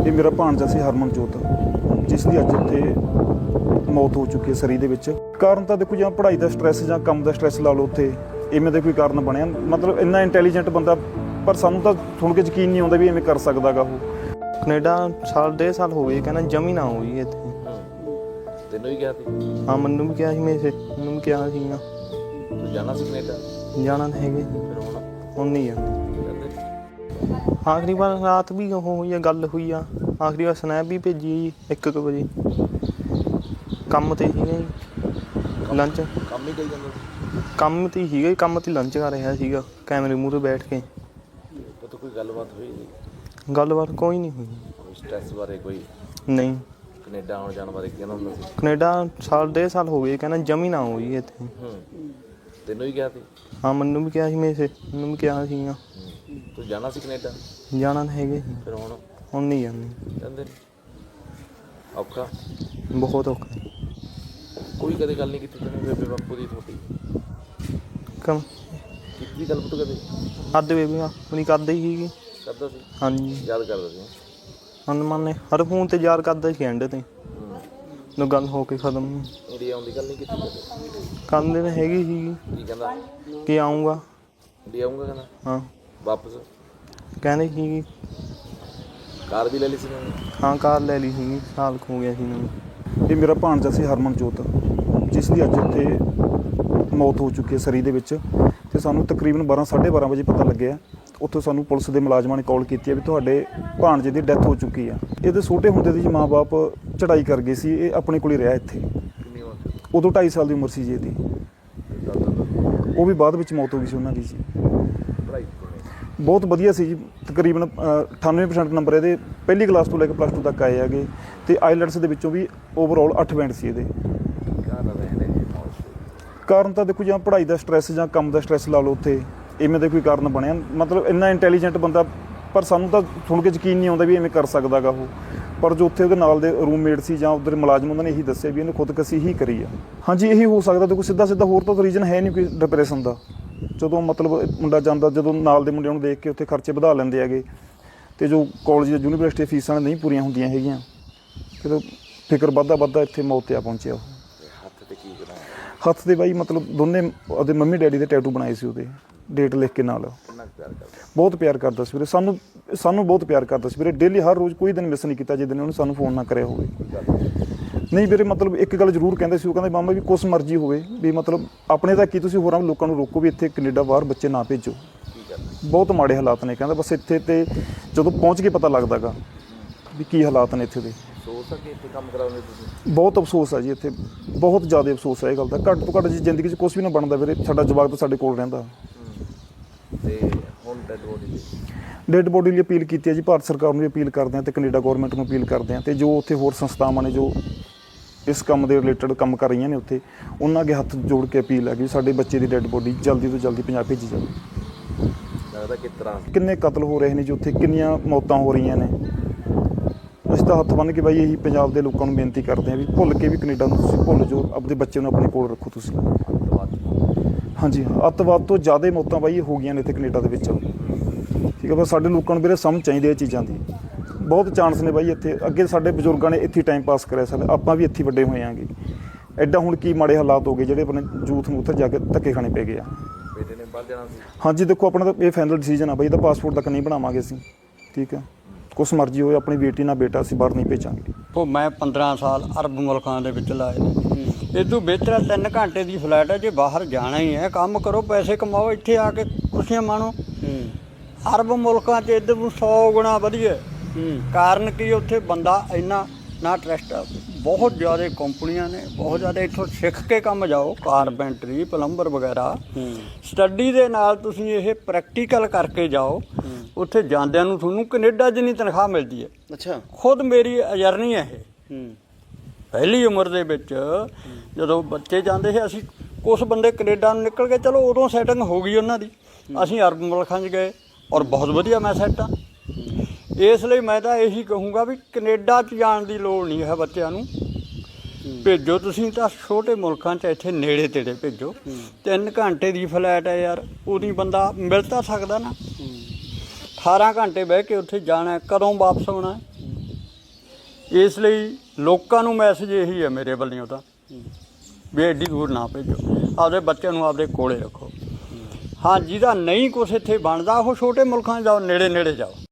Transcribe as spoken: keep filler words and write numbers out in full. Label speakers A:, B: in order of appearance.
A: ਇਹ ਮੇਰਾ ਭਾਣਜਾ ਸੀ ਹਰਮਨਜੋਤ, ਜਿਸ ਦੀ ਅੱਜ ਉੱਥੇ ਮੌਤ ਹੋ ਚੁੱਕੀ ਹੈ ਸਰੀ ਦੇ ਵਿੱਚ। ਕਾਰਨ ਤਾਂ ਦੇਖੋ, ਜਾਂ ਪੜ੍ਹਾਈ ਦਾ ਸਟ੍ਰੈਸ ਜਾਂ ਕੰਮ ਦਾ ਸਟ੍ਰੈਸ ਲਾ ਲਓ, ਉੱਥੇ ਇਵੇਂ ਦਾ ਕੋਈ ਕਾਰਨ ਬਣਿਆ। ਮਤਲਬ ਇੰਨਾ ਇੰਟੈਲੀਜੈਂਟ ਬੰਦਾ, ਪਰ ਸਾਨੂੰ ਤਾਂ ਸੁਣ ਕੇ ਯਕੀਨ ਨਹੀਂ ਆਉਂਦਾ ਵੀ ਇਵੇਂ ਕਰ ਸਕਦਾ ਗਾ ਉਹ।
B: ਕੈਨੇਡਾ ਸਾਲ ਡੇਢ ਸਾਲ ਹੋ ਗਏ, ਕਹਿੰਦਾ ਜਮੀ ਨਾ ਹੋਈ ਇੱਥੇ।
C: ਤੈਨੂੰ ਵੀ ਕਿਹਾ ਸੀ?
B: ਹਾਂ, ਮੈਨੂੰ ਵੀ ਕਿਹਾ ਸੀ, ਮੇਰੇ ਮੈਨੂੰ ਵੀ ਕਿਹਾ ਸੀਗਾ
C: ਤੂੰ ਜਾਣਾ ਸੀ ਕੈਨੇਡਾ?
B: ਜਾਣਾ ਤਾਂ ਹੈਗੇ,
C: ਫਿਰ ਹੁਣ
B: ਹੁਣ ਨਹੀਂ ਜਾਂਦੇ।
C: ਕਹਿੰਦੇ
B: ਆਖਰੀ ਵਾਰ ਰਾਤ ਵੀ ਉਹ ਹੋਈ ਆ, ਗੱਲ ਹੋਈ ਆ। ਆਖਰੀ ਵਾਰ ਸਨੈਪ ਵੀ ਭੇਜੀ ਜੀ ਇੱਕ ਕੁ ਵਜੇ। ਕੰਮ 'ਤੇ ਸੀਗਾ ਜੀ, ਲੰਚ
C: ਕੰਮ ਹੀ ਕਰੀ ਜਾਂਦਾ ਸੀ?
B: ਕੰਮ 'ਤੇ ਸੀਗਾ ਜੀ, ਕੰਮ 'ਤੇ ਲੰਚ ਕਰ ਰਿਹਾ ਸੀਗਾ ਕੈਮਰੇ ਮੂਹਰੇ ਬੈਠ ਕੇ।
C: ਤਾਂ ਕੋਈ ਗੱਲਬਾਤ ਹੋਈ ਨਹੀਂ?
B: ਗੱਲਬਾਤ ਕੋਈ ਨਹੀਂ ਹੋਈ।
C: ਸਟ੍ਰੈਸ ਬਾਰੇ ਕੋਈ
B: ਨਹੀਂ।
C: ਕੈਨੇਡਾ ਆਉਣ ਜਾਣ ਬਾਰੇ ਕਹਿੰਦਾ ਹੁੰਦਾ ਸੀ?
B: ਕੈਨੇਡਾ ਸਾਲ ਡੇਢ ਸਾਲ ਹੋ ਗਏ, ਕਹਿੰਦਾ ਜਮੀ ਨਾ ਹੋਈ ਇੱਥੇ।
C: ਹੂੰ, ਤੈਨੂੰ ਵੀ ਕਿਹਾ ਸੀ?
B: ਹਾਂ, ਮੈਨੂੰ ਵੀ ਕਿਹਾ ਸੀ, ਮੇਰੇ ਮੈਨੂੰ ਵੀ ਕਿਹਾ ਸੀਗਾ
C: ਤੂੰ ਜਾਣਾ ਸੀ ਕੈਨੇਡਾ?
B: ਜਾਣਾ ਤਾਂ ਹੈਗੇ,
C: ਫਿਰ ਹੁਣ
B: ਹੁਣ ਨਹੀਂ ਜਾਂਦੇ।
C: ਕਹਿੰਦੇ ਔਖਾ,
B: ਬਹੁਤ ਔਖਾ।
C: ਕੋਈ ਕਦੇ ਗੱਲ ਨਹੀਂ ਕੀਤੀ ਤੈਨੂੰ ਬੇਬੇ ਬਾਪੂ ਦੀ ਤੁਹਾਡੀ?
B: ਕੰਮ
C: ਕੀਤੀ ਗੱਲ ਪੁੱਤ ਕਦੇ?
B: ਅੱਧ ਬੇਬੀ ਆਪਣੀ ਕਰਦੇ ਹੀ ਸੀਗੀ।
C: ਕਰਦਾ ਸੀ?
B: ਹਾਂਜੀ,
C: ਯਾਦ ਕਰਦਾ ਸੀ?
B: ਹਨੂੰਮਾਨ ਨੇ ਹਰ ਫੋਨ ਤੇ ਯਾਰ ਕਰਦਾ ਸੀ ਐਂਡ ਤੇ, ਨੂੰ ਗੱਲ ਹੋ ਕੇ ਖਤਮ।
C: ਇੰਡੀਆ ਆਉਣ ਦੀ ਗੱਲ ਨਹੀਂ ਕੀਤੀ ਕਦੇ?
B: ਕਰਦੇ ਤਾਂ ਹੈਗੀ ਸੀਗੀ
C: ਕੀ ਕਹਿੰਦਾ?
B: ਕਿ ਆਊਂਗਾ।
C: ਇੰਡੀਆ ਆਊਂਗਾ ਕਹਿੰਦਾ?
B: ਹਾਂ,
C: ਵਾਪਸ
B: ਕਹਿੰਦੇ ਸੀਗੀ।
C: ਕਾਰ ਵੀ ਲੈ ਲਈ ਸੀ ਉਹਨੇ?
B: ਹਾਂ, ਕਾਰ ਲੈ ਲਈ ਸੀਗੀ, ਸਾਲ ਕੁ ਹੋ ਗਿਆ ਸੀ ਮੈਨੂੰ।
A: ਇਹ ਮੇਰਾ ਭਾਣਜਾ ਸੀ ਹਰਮਨਜੋਤ, ਜਿਸ ਦੀ ਅੱਜ ਉੱਥੇ ਮੌਤ ਹੋ ਚੁੱਕੀ ਹੈ ਸਰੀ ਦੇ ਵਿੱਚ। ਅਤੇ ਸਾਨੂੰ ਤਕਰੀਬਨ ਬਾਰਾਂ ਸਾਢੇ ਬਾਰਾਂ ਵਜੇ ਪਤਾ ਲੱਗਿਆ। ਉੱਥੋਂ ਸਾਨੂੰ ਪੁਲਿਸ ਦੇ ਮੁਲਾਜ਼ਮਾਂ ਨੇ ਕਾਲ ਕੀਤੀ ਹੈ ਵੀ ਤੁਹਾਡੇ ਭਾਣਜੇ ਦੀ ਡੈਥ ਹੋ ਚੁੱਕੀ ਆ। ਇਹਦੇ ਛੋਟੇ ਹੁੰਦੇ ਦੀ ਜੀ ਮਾਂ ਬਾਪ ਚੜ੍ਹਾਈ ਕਰ ਗਏ ਸੀ, ਇਹ ਆਪਣੇ ਕੋਲ ਹੀ ਰਿਹਾ ਇੱਥੇ।
C: ਕਿੰਨੀ ਉਮਰ ਸੀ?
A: ਉਦੋਂ ਢਾਈ ਸਾਲ ਦੀ ਉਮਰ ਸੀ ਜੀ ਇਹਦੀ। ਉਹ ਵੀ ਬਾਅਦ ਵਿੱਚ ਮੌਤ ਹੋ ਗਈ ਸੀ ਉਹਨਾਂ ਦੀ ਜੀ।
C: ਪੜ੍ਹਾਈ
A: ਬਹੁਤ ਵਧੀਆ ਸੀ ਜੀ, ਤਕਰੀਬਨ ਅਠਾਨਵੇਂ ਪਰਸੈਂਟ ਨੰਬਰ ਇਹਦੇ ਪਹਿਲੀ ਕਲਾਸ ਤੋਂ ਲੈ ਕੇ ਪਲੱਸ ਟੂ ਤੱਕ ਆਏ ਹੈਗੇ। ਅਤੇ ਆਈਲੈਟਸ ਦੇ ਵਿੱਚੋਂ ਵੀ ਓਵਰਆਲ ਅੱਠ ਬੈਂਡ ਸੀ ਇਹਦੇ। ਕਾਰਨ ਤਾਂ ਦੇਖੋ, ਜਾਂ ਪੜ੍ਹਾਈ ਦਾ ਸਟ੍ਰੈਸ ਜਾਂ ਕੰਮ ਦਾ ਸਟ੍ਰੈਸ ਲਾ ਲਓ, ਉੱਥੇ ਇਵੇਂ ਦਾ ਕੋਈ ਕਾਰਨ ਬਣਿਆ। ਮਤਲਬ ਇੰਨਾ ਇੰਟੈਲੀਜੈਂਟ ਬੰਦਾ, ਪਰ ਸਾਨੂੰ ਤਾਂ ਸੁਣ ਕੇ ਯਕੀਨ ਨਹੀਂ ਆਉਂਦਾ ਵੀ ਇਵੇਂ ਕਰ ਸਕਦਾ ਗਾ ਉਹ। ਪਰ ਜੋ ਉੱਥੇ ਉਹਦੇ ਨਾਲ ਦੇ ਰੂਮਮੇਟ ਸੀ ਜਾਂ ਉੱਧਰ ਮੁਲਾਜ਼ਮ, ਉਹਨਾਂ ਨੇ ਇਹੀ ਦੱਸਿਆ ਵੀ ਇਹਨੇ ਖੁਦਕੁਸ਼ੀ ਹੀ ਕਰੀ ਆ। ਹਾਂਜੀ, ਇਹੀ ਹੋ ਸਕਦਾ। ਦੇਖੋ ਸਿੱਧਾ ਸਿੱਧਾ ਹੋਰ ਤਾਂ ਰੀਜ਼ਨ ਹੈ ਨਹੀਂ ਕੋਈ ਡਿਪਰੈਸ਼ਨ ਦਾ। ਜਦੋਂ ਮਤਲਬ ਮੁੰਡਾ ਜਾਂਦਾ, ਜਦੋਂ ਨਾਲ ਦੇ ਮੁੰਡਿਆਂ ਨੂੰ ਦੇਖ ਕੇ ਉੱਥੇ ਖਰਚੇ ਵਧਾ ਲੈਂਦੇ ਹੈਗੇ, ਅਤੇ ਜੋ ਕਾਲਜ ਜਾਂ ਯੂਨੀਵਰਸਿਟੀ ਫੀਸਾਂ ਨਹੀਂ ਪੂਰੀਆਂ ਹੁੰਦੀਆਂ ਹੈਗੀਆਂ, ਫਿਰ ਫਿਕਰ ਵੱਧਦਾ ਵੱਧਦਾ ਇੱਥੇ ਮੌਤ 'ਤੇ ਆ ਪਹੁੰਚਿਆ ਉਹ।
C: ਹੱਥ ਤੇ ਕੀ ਕਰਾਂ?
A: ਹੱਥ 'ਤੇ ਬਾਈ ਮਤਲਬ ਦੋਨੇ ਉਹਦੇ ਮੰਮੀ ਡੈਡੀ ਦੇ ਟੈਟੂ ਬਣਾਏ ਸੀ, ਉਹਦੇ ਡੇਟ ਲਿਖ ਕੇ ਨਾਲ।
C: ਕਿੰਨਾ ਪਿਆਰ ਕਰਦਾ?
A: ਬਹੁਤ ਪਿਆਰ ਕਰਦਾ ਸੀ ਵੀਰੇ, ਸਾਨੂੰ ਸਾਨੂੰ ਬਹੁਤ ਪਿਆਰ ਕਰਦਾ ਸੀ ਵੀਰੇ। ਡੇਲੀ ਹਰ ਰੋਜ਼ ਕੋਈ ਦਿਨ ਮਿਸ ਨਹੀਂ ਕੀਤਾ ਜਿਸ ਦਿਨ ਉਹਨੇ ਸਾਨੂੰ ਫੋਨ ਨਾ ਕਰਿਆ ਹੋਵੇ। ਨਹੀਂ ਵੀਰੇ, ਮਤਲਬ ਇੱਕ ਗੱਲ ਜ਼ਰੂਰ ਕਹਿੰਦੇ ਸੀ, ਉਹ ਕਹਿੰਦੇ ਮਾਮਾ ਵੀ ਕੁਛ ਮਰਜ਼ੀ ਹੋਵੇ, ਵੀ ਮਤਲਬ ਆਪਣੇ ਤਾਂ ਕੀ, ਤੁਸੀਂ ਹੋਰਾਂ ਲੋਕਾਂ ਨੂੰ ਰੋਕੋ ਵੀ ਇੱਥੇ ਕੈਨੇਡਾ ਬਾਹਰ ਬੱਚੇ ਨਾ ਭੇਜੋ। ਬਹੁਤ ਮਾੜੇ ਹਾਲਾਤ ਨੇ ਕਹਿੰਦਾ, ਬਸ ਇੱਥੇ ਤੇ ਜਦੋਂ ਪਹੁੰਚ ਕੇ ਪਤਾ ਲੱਗਦਾ ਗਾ ਵੀ ਕੀ ਹਾਲਾਤ ਨੇ ਇੱਥੇ ਦੇ।
C: ਅਫਸੋਸ ਆ ਕਿ ਇੱਥੇ ਕੰਮ ਕਰਾਉਂਦੇ ਤੁਸੀਂ?
A: ਬਹੁਤ ਅਫਸੋਸ ਹੈ ਜੀ, ਇੱਥੇ ਬਹੁਤ ਜ਼ਿਆਦਾ ਅਫਸੋਸ ਹੈ ਇਹ ਗੱਲ ਦਾ। ਘੱਟ ਤੋਂ ਘੱਟ ਜੀ ਜ਼ਿੰਦਗੀ 'ਚ ਕੁਛ ਵੀ ਨਾ ਬਣਦਾ ਵੀਰੇ, ਸਾਡਾ ਜਵਾਕ ਤਾਂ ਸਾਡੇ ਕੋਲ ਰਹਿੰਦਾ।
C: ਤੇ ਹੁਣ ਡੈਡ ਬੋਡੀ
A: ਡੈਡ ਬੋਡੀ ਲਈ ਅਪੀਲ ਕੀਤੀ ਹੈ ਜੀ, ਭਾਰਤ ਸਰਕਾਰ ਨੂੰ ਵੀ ਅਪੀਲ ਕਰਦੇ ਹਾਂ ਅਤੇ ਕੈਨੇਡਾ ਗੌਰਮੈਂਟ ਨੂੰ ਅਪੀਲ ਕਰਦੇ ਹਾਂ, ਅਤੇ ਜੋ ਉੱਥੇ ਹੋਰ ਸੰਸਥਾਵਾਂ ਨੇ ਜੋ ਇਸ ਕੰਮ ਦੇ ਰਿਲੇਟਡ ਕੰਮ ਕਰ ਰਹੀਆਂ ਨੇ ਉੱਥੇ, ਉਹਨਾਂ ਅੱਗੇ ਹੱਥ ਜੋੜ ਕੇ ਅਪੀਲ ਹੈ ਕਿ ਸਾਡੇ ਬੱਚੇ ਦੀ ਡੈਡ ਬੋਡੀ ਜਲਦੀ ਤੋਂ ਜਲਦੀ ਪੰਜਾਬ ਭੇਜੀ ਜਾਵੇ।
C: ਲੱਗਦਾ ਕਿਸ ਤਰ੍ਹਾਂ
A: ਕਿੰਨੇ ਕਤਲ ਹੋ ਰਹੇ ਨੇ ਜੀ ਉੱਥੇ, ਕਿੰਨੀਆਂ ਮੌਤਾਂ ਹੋ ਰਹੀਆਂ ਨੇ। ਅਸੀਂ ਤਾਂ ਹੱਥ ਬੰਨ੍ਹ ਕੇ ਬਾਈ ਇਹੀ ਪੰਜਾਬ ਦੇ ਲੋਕਾਂ ਨੂੰ ਬੇਨਤੀ ਕਰਦੇ ਹਾਂ ਵੀ ਭੁੱਲ ਕੇ ਵੀ ਕੈਨੇਡਾ ਨੂੰ ਤੁਸੀਂ ਭੁੱਲ ਜਾਓ, ਆਪਣੇ ਬੱਚੇ ਨੂੰ ਆਪਣੇ ਕੋਲ ਰੱਖੋ ਤੁਸੀਂ। ਹਾਂਜੀ, ਅੱਤਵਾਦ ਤੋਂ ਜ਼ਿਆਦਾ ਮੌਤਾਂ ਬਾਈ ਹੋ ਗਈਆਂ ਨੇ ਇੱਥੇ ਕੈਨੇਡਾ ਦੇ ਵਿੱਚ। ਠੀਕ ਹੈ, ਪਰ ਸਾਡੇ ਲੋਕਾਂ ਨੂੰ ਵੀਰੇ ਸਮਝ ਚਾਹੀਦੀ ਇਹ ਚੀਜ਼ਾਂ ਦੀ। ਬਹੁਤ ਚਾਂਸ ਨੇ ਬਾਈ ਇੱਥੇ, ਅੱਗੇ ਸਾਡੇ ਬਜ਼ੁਰਗਾਂ ਨੇ ਇੱਥੇ ਟਾਈਮ ਪਾਸ ਕਰਿਆ, ਸਾਡੇ ਆਪਾਂ ਵੀ ਇੱਥੇ ਵੱਡੇ ਹੋਏ ਆਂਗੇ। ਐਡਾ ਹੁਣ ਕੀ ਮਾੜੇ ਹਾਲਾਤ ਹੋ ਗਏ ਜਿਹੜੇ ਆਪਣੇ ਯੂਥ ਨੂੰ ਉੱਥੇ ਜਾ ਕੇ ਧੱਕੇ ਖਾਣੇ ਪੈ ਗਏ ਆ।
C: ਬੇਟੇ ਨੇ ਬਾਹਰ ਜਾਣਾ ਸੀ? ਹਾਂਜੀ,
A: ਦੇਖੋ ਆਪਣਾ ਤਾਂ ਇਹ ਫਾਈਨਲ ਡਿਸੀਜਨ ਆ ਬਾਈ, ਇਹਦਾ ਪਾਸਪੋਰਟ ਤੱਕ ਨਹੀਂ ਬਣਾਵਾਂਗੇ ਅਸੀਂ। ਠੀਕ ਹੈ, ਕੁਛ ਮਰਜ਼ੀ ਹੋਏ, ਆਪਣੀ ਬੇਟੀ ਨਾਲ ਬੇਟਾ ਅਸੀਂ ਬਾਹਰ ਨਹੀਂ ਭੇਜਾਂਗੇ।
D: ਉਹ ਮੈਂ ਪੰਦਰਾਂ ਸਾਲ ਅਰਬ ਮੁਲਕਾਂ ਦੇ ਵਿੱਚ ਲਾਏ ਨੇ। ਇਹ ਤੋਂ ਬਿਹਤਰ ਤਿੰਨ ਘੰਟੇ ਦੀ ਫਲਾਈਟ ਹੈ, ਜੇ ਬਾਹਰ ਜਾਣਾ ਹੀ ਹੈ ਕੰਮ ਕਰੋ, ਪੈਸੇ ਕਮਾਓ, ਇੱਥੇ ਆ ਕੇ ਖੁਸ਼ੀਆਂ ਮਾਣੋ। ਅਰਬ ਮੁਲਕਾਂ 'ਚ ਇੱਧਰ ਨੂੰ ਸੌ ਗੁਣਾ ਵਧੀਆ। ਕਾਰਨ ਕੀ, ਉੱਥੇ ਬੰਦਾ ਇੰਨਾ ਨਾ ਟਰਸਟ, ਬਹੁਤ ਜ਼ਿਆਦਾ ਕੰਪਨੀਆਂ ਨੇ, ਬਹੁਤ ਜ਼ਿਆਦਾ। ਇੱਥੋਂ ਸਿੱਖ ਕੇ ਕੰਮ ਜਾਓ, ਕਾਰਪੈਂਟਰੀ, ਪਲੰਬਰ ਵਗੈਰਾ। ਸਟੱਡੀ ਦੇ ਨਾਲ ਤੁਸੀਂ ਇਹ ਪ੍ਰੈਕਟੀਕਲ ਕਰਕੇ ਜਾਓ, ਉੱਥੇ ਜਾਂਦਿਆਂ ਨੂੰ ਤੁਹਾਨੂੰ ਕੈਨੇਡਾ ਜਿੰਨੀ ਤਨਖਾਹ ਮਿਲਦੀ ਹੈ।
C: ਅੱਛਾ,
D: ਖੁਦ ਮੇਰੀ ਜਰਨੀ ਹੈ ਇਹ। ਪਹਿਲੀ ਉਮਰ ਦੇ ਵਿੱਚ ਜਦੋਂ ਬੱਚੇ ਜਾਂਦੇ ਸੀ, ਅਸੀਂ ਕੁਛ ਬੰਦੇ ਕੈਨੇਡਾ ਨੂੰ ਨਿਕਲ ਗਏ, ਚਲੋ ਉਦੋਂ ਸੈਟਿੰਗ ਹੋ ਗਈ ਉਹਨਾਂ ਦੀ। ਅਸੀਂ ਅਰਬ ਮੁਲਕਾਂ 'ਚ ਗਏ ਔਰ ਬਹੁਤ ਵਧੀਆ ਮੈਂ ਸੈੱਟ ਹਾਂ। ਇਸ ਲਈ ਮੈਂ ਤਾਂ ਇਹੀ ਕਹੂੰਗਾ ਵੀ ਕੈਨੇਡਾ 'ਚ ਜਾਣ ਦੀ ਲੋੜ ਨਹੀਂ ਹੈ ਬੱਚਿਆਂ ਨੂੰ। ਭੇਜੋ ਤੁਸੀਂ ਤਾਂ ਛੋਟੇ ਮੁਲਕਾਂ 'ਚ, ਇੱਥੇ ਨੇੜੇ ਤੇੜੇ ਭੇਜੋ। ਤਿੰਨ ਘੰਟੇ ਦੀ ਫਲਾਈਟ ਹੈ ਯਾਰ, ਉਹਦੀ ਬੰਦਾ ਮਿਲ ਤਾਂ ਸਕਦਾ ਨਾ। ਅਠਾਰਾਂ ਘੰਟੇ ਬਹਿ ਕੇ ਉੱਥੇ ਜਾਣਾ, ਕਦੋਂ ਵਾਪਸ ਆਉਣਾ। ਇਸ ਲਈ ਲੋਕਾਂ ਨੂੰ ਮੈਸੇਜ ਇਹੀ ਹੈ ਮੇਰੇ ਵੱਲੋਂ ਤਾਂ ਵੀ ਐਡੀ ਦੂਰ ਨਾ ਭੇਜੋ, ਆਪਦੇ ਬੱਚਿਆਂ ਨੂੰ ਆਪਦੇ ਕੋਲੇ ਰੱਖੋ। ਹਾਂ, ਜਿਹਦਾ ਨਹੀਂ ਕੁਛ ਇੱਥੇ ਬਣਦਾ ਉਹ ਛੋਟੇ ਮੁਲਕਾਂ 'ਚ ਜਾਓ, ਨੇੜੇ ਨੇੜੇ ਜਾਓ।